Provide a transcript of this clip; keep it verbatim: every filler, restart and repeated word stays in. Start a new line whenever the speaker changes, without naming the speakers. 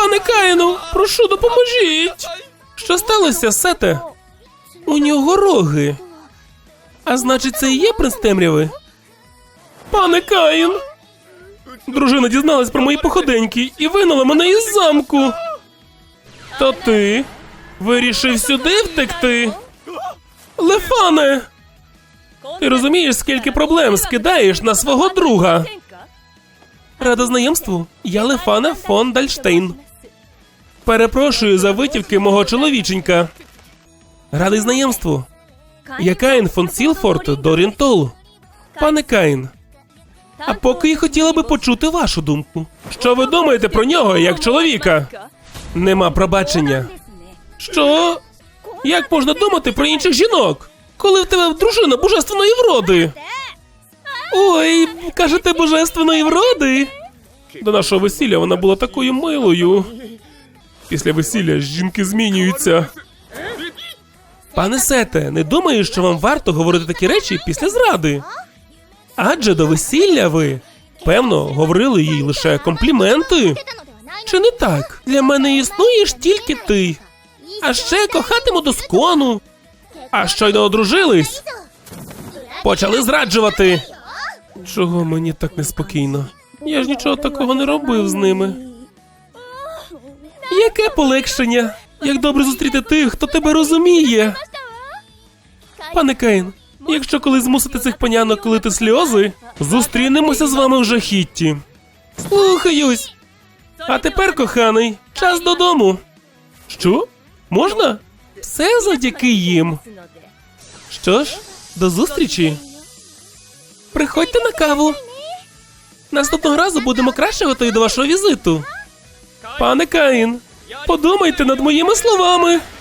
Пане Каїну, прошу, допоможіть! Що сталося, Сете? У нього роги. А значить, це і є принц темряви? Пане Каїн! Дружина дізналась про мої походеньки і вигнала мене із замку. То ти вирішив сюди втекти? Лефане! Ти розумієш, скільки проблем скидаєш на свого друга? Рада знайомству, я Лефана фон Дальштейн. Перепрошую за витівки мого чоловіченька. Радий знайомству. Я Каїн фон Сілфорд Дорінтол. Пане Каїн, а поки я хотіла би почути вашу думку. Що ви думаєте про нього, як чоловіка? Нема пробачення. Що? Як можна думати про інших жінок, коли в тебе дружина божественної вроди? Ой, кажете, божественної вроди? До нашого весілля вона була такою милою. Після весілля жінки змінюються. Пане Сете, не думаю, що вам варто говорити такі речі після зради. Адже до весілля ви, певно, говорили їй лише компліменти. Чи не так? Для мене існуєш тільки ти. А ще кохатиму доскону. А щойно одружились, почали зраджувати. Чого мені так неспокійно? Я ж нічого такого не робив з ними. Яке полегшення? Як добре зустріти тих, хто тебе розуміє. Пане Каїн, якщо колись змусите цих панянок лити сльози, зустрінемося з вами в жахітті. Слухаюсь. А тепер, коханий, час додому. Що? Можна? Все завдяки їм. Що ж, до зустрічі. Приходьте на каву. Наступного разу будемо краще готові до вашого візиту. Пане Каїн, подумайте над моїми словами.